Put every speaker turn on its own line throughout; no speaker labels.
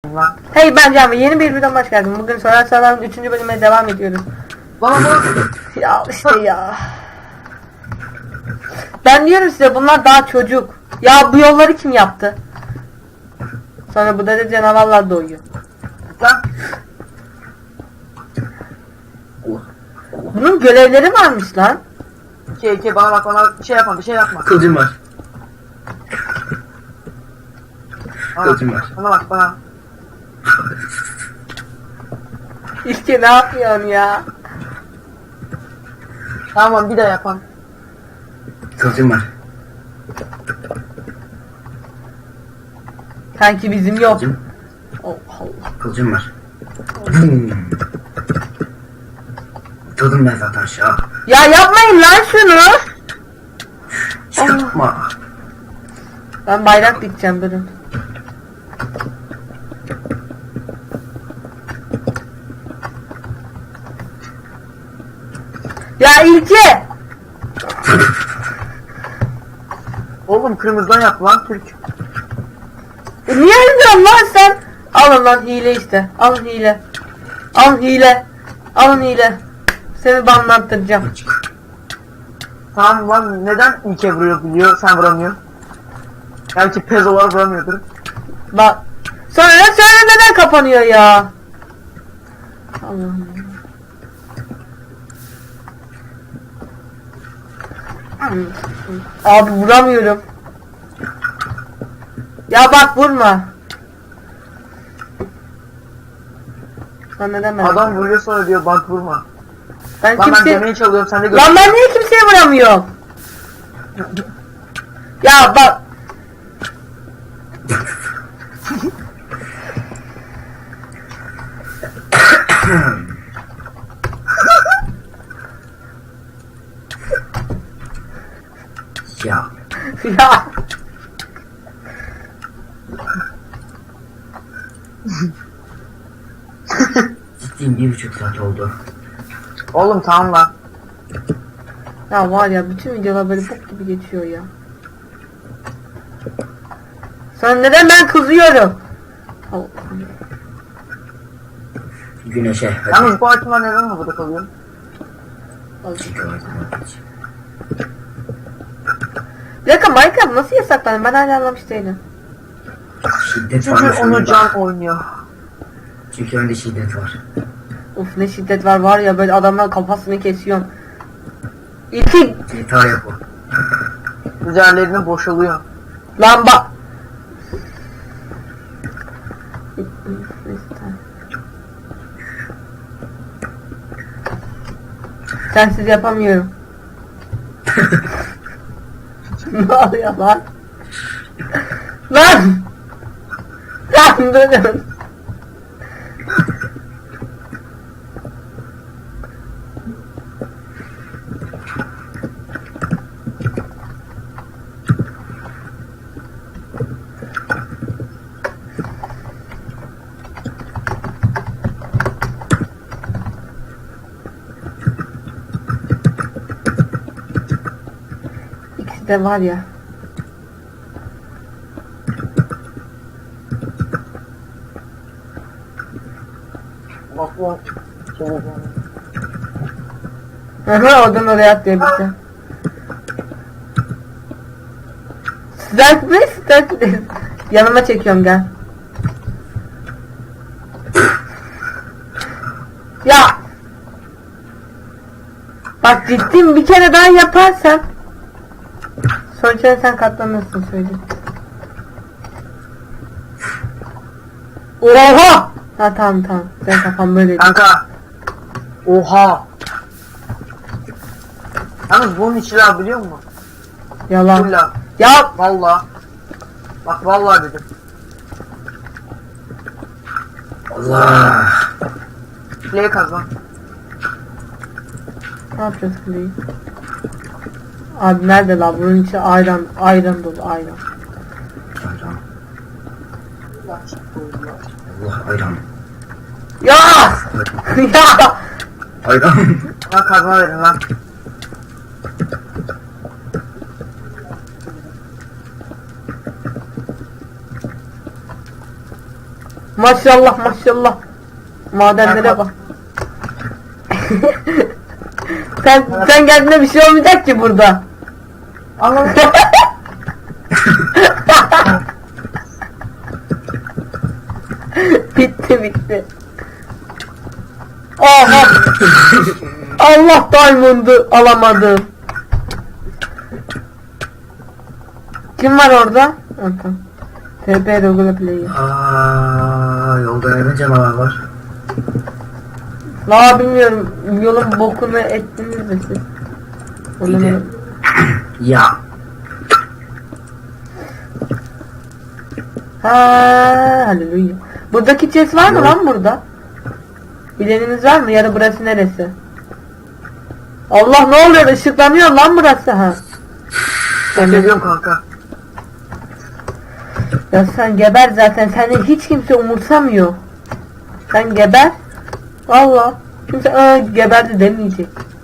lan.
Hey ben Can ve yeni bir videodan hoş geldin. Bugün Sorar Sarar'ın 3. bölümüne devam ediyoruz.
Bana bak.
Ya işte ya. Ben diyorum size bunlar daha çocuk. Ya bu yolları kim yaptı? Sonra bu da canavarlar doğuyor.
Lan.
Bunun görevleri varmış lan.
Bana bak, bana bir şey yapma, bir şey yapma.
Kılıcım var. Kılıcım var.
Bana bak, bana.
İşte ne yapıyorsun ya?
Tamam, bir daha yapalım.
Kılıcım var.
Sanki bizim yok.
Kılıcım.
Oh Allah.
Kılıcım var. Atladım ben zaten aşağı.
Ya yapmayın lan şunu.
Çıkartma.
Ben bayrak dikeceğim durun. Ya İlke!
Oğlum kırmızıdan yap lan Türk.
Niye öldürüyorsun lan sen? Alın lan hile işte. Alın hile. Alın hile. Alın hile. Seni banlattıracağım.
Tamam lan, neden ilke vuruyor biliyor, sen vuramıyorsun? Belki pezolar vuramıyordur.
Bak. Sonra neden kapanıyor ya? Allah'ım. Abi vuramıyorum. Ya bak vurma. Lan neden ben?
Adam vuruyor sonra diyor bak vurma.
Ben
Lan ben
kimse...
demeyi çalıyorum, sen de gör.
Lan ben niye kimseye vuramıyorum? Ya bak.
Ya.
Ya.
Ciddiyim 1,5 saat oldu.
Oğlum tamam lan.
Ya var ya bütün videolar böyle bok gibi geçiyor ya. Sonra neden ben kızıyorum? Allah'ım.
Güneşe. Hadi.
Yalnız bu açımlar neden mi burada kalıyor?
Bir dakika Minecraft nasıl yasaklandı? Ben hala anlamış değilim.
Şiddet
Çünkü
var.
onu Can oynuyor.
Çünkü önde şiddet var.
Of ne şiddet var ya böyle adamlar kafasını kesiyor. İlki
GTA yap o.
Üzerlerine boşalıyor.
lan bak. Sensiz yapamıyorum. Ne oluyor lan? Lan! Lan durun. İkisi de var ya.
Bak bu.
Aha oradan oraya atlayabildim. Sıcak mı? Sıcak değil. Yanıma çekiyorum gel. Ya. Bak ciddiyim bir kere daha yaparsan. Sonuçta sen katlanırsın söyleyeyim. Oha! Ha tamam. Sen kafan böyle.
Kanka. Oha. Yalnız bunun içi lav biliyor musun?
Yalan.
Full lav.
Ya
Valla. Bak vallahi dedim.
Allah.
Play kaz lan.
ne yapacağız kuleyi? Abi nerede lan? Bunun içi ayran dolu ayran.
Ayran. Allah ayran.
Ya! Ya!
Ayran.
Bana kazma verin lan.
Maşallah maşallah. Madenlere bak. sen geldiğinde bir şey olmayacak ki burada.
Anladım.
Bitti. Aha. Allah diamond'ı alamadım. Kim var orada? Tamam. TP Regular Play.
Yolda neden canavar var?
La bilmiyorum. Yolun bokunu ettiniz mi siz? Onu
Bir de- Ya.
Ha, haleluya. Buradaki chest var mı
Yok.
lan burada? Bileniniz var mı? Yarı burası neresi? Allah ne oluyor? Işıklanıyor lan burası ha.
Ben ne diyorum kanka?
Ya sen geber zaten. Seni hiç kimse umursamıyor. Sen geber. Valla. Kimse geberdi demeyecek.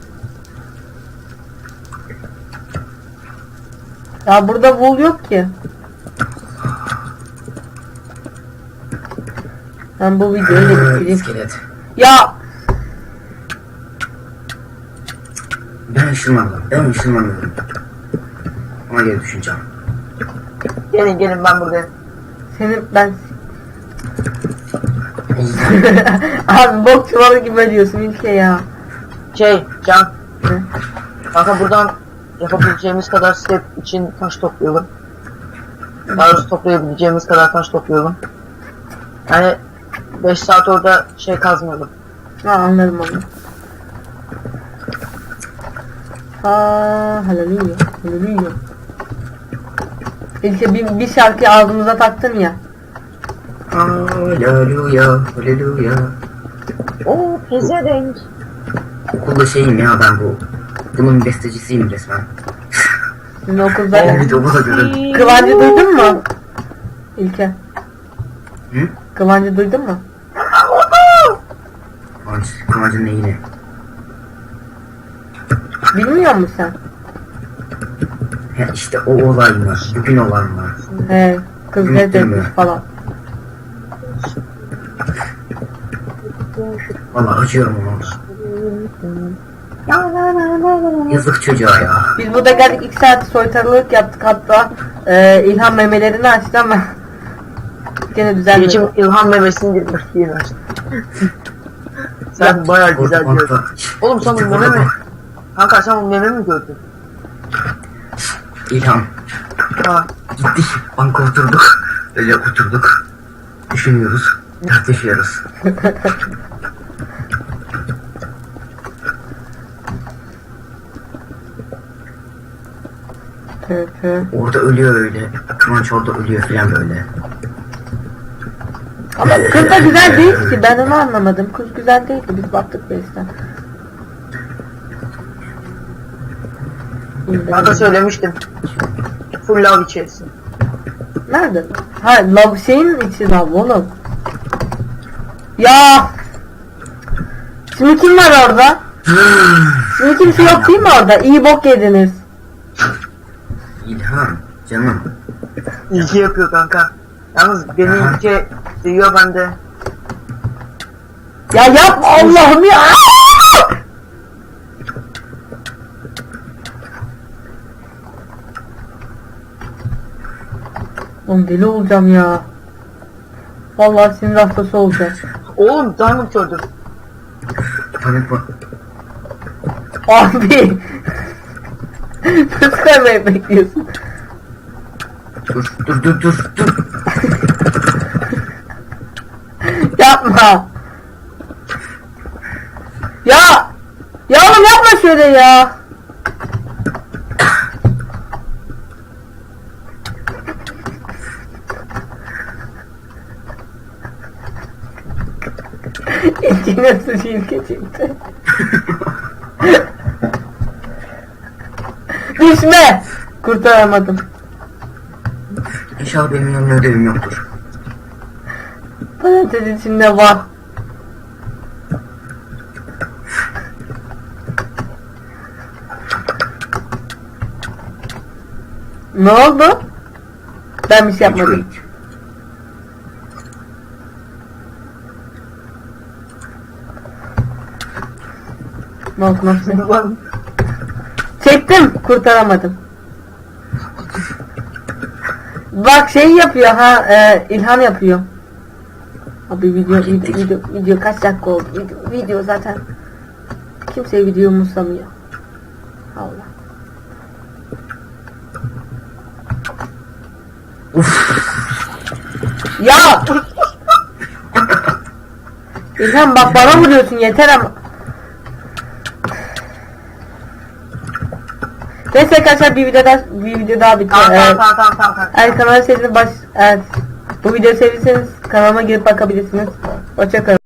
Ya burada wool yok ki. Ben bu videoyu da bitireyim.
İskelet.
Ya
Ben ışınlanıyorum. Ona göre düşüneceğim.
Gelin ben buradayım.
senin ben
Allah.
abi bok çuvalı gibi diyorsun ülke ya.
Can.
Hı?
Kanka buradan yapabileceğimiz kadar step için taş toplayalım. Daha doğrusu toplayabileceğimiz kadar taş toplayalım. Yani 5 saat orada kazmayalım.
Ha anladım onu. Ha haleluya haleluya. İlke bir şarkı ağzımıza taktın ya.
Haleluya.
Oo pezevenk.
Okulda şeyim ya ben bu. Bunun bestecisiyim resmen.
Sizin okulda
Evet okulda görün.
Kıvancı duydun mu? İlke.
Hı?
Kıvancı duydun mu?
Kıvancın neyini?
Bilmiyor musun sen?
Ya işte o olay mı? Bugün olan mı?
He, kız ne
Unuttum
demiş
ya.
falan.
Vallahi acıyorum ona. Yazık çocuğa ya.
Biz burada geldik 2 saat soytarılık yaptık hatta İlhan memelerini açtı ama gene düzelmedi.
Geçim ilham memesini girmiş yine. Sen bayağı güzel diyorsun. Oğlum sen bu meme mi? Kanka sen bu meme mi gördün?
İlham.
Ha.
Gittik. Banka oturduk. Öyle oturduk. Düşünüyoruz. Tartışıyoruz.
Hı.
Orada ölüyor öyle. Kıvanç orada ölüyor falan böyle.
Ama kız da güzel değil ki ben onu anlamadım. Kız güzel değildi biz baktık Beyz'den.
Kanka söylemiştim. Full love içerisin.
Nerede? Ha lav şeyin içi lav oğlum. Ya. Şimdi kim var orada? Şimdi kimse yok değil mi orada? İyi bok yediniz.
İlham. Canım.
İlki yapıyor kanka. Yalnız beni
Aha.
ilki seviyor ben de.
Ya yapma Allah'ım ya. Oğlum deli olacağım ya. Vallahi sinir hastası olacağım.
Oğlum diamond gördüm.
Panik var.
Abi. Nasıl kaymayı bekliyorsun?
Dur.
Yapma. Ya. Ya oğlum yapma şöyle ya. İçine sıçayım geçirdi. Düşme. Kurtaramadım.
İnşallah benim yanımda ödevim yoktur.
Parantez içinde var. Ne oldu? Ben bir şey yapmadım. Nasıl? Çektim, kurtaramadım. Bak şey yapıyor ha, İlhan yapıyor. Abi video kaç dakika oldu? Video zaten kimse video umursamıyor. Allah. Ya! İlhan bak bana vuruyorsun yeter ama. Neyse arkadaşlar bir video daha bitiyor.
Tamam.
Eğer kanalı sevdiğiniz bu videoyu sevdiyseniz kanalıma girip bakabilirsiniz. Hoşça kalın.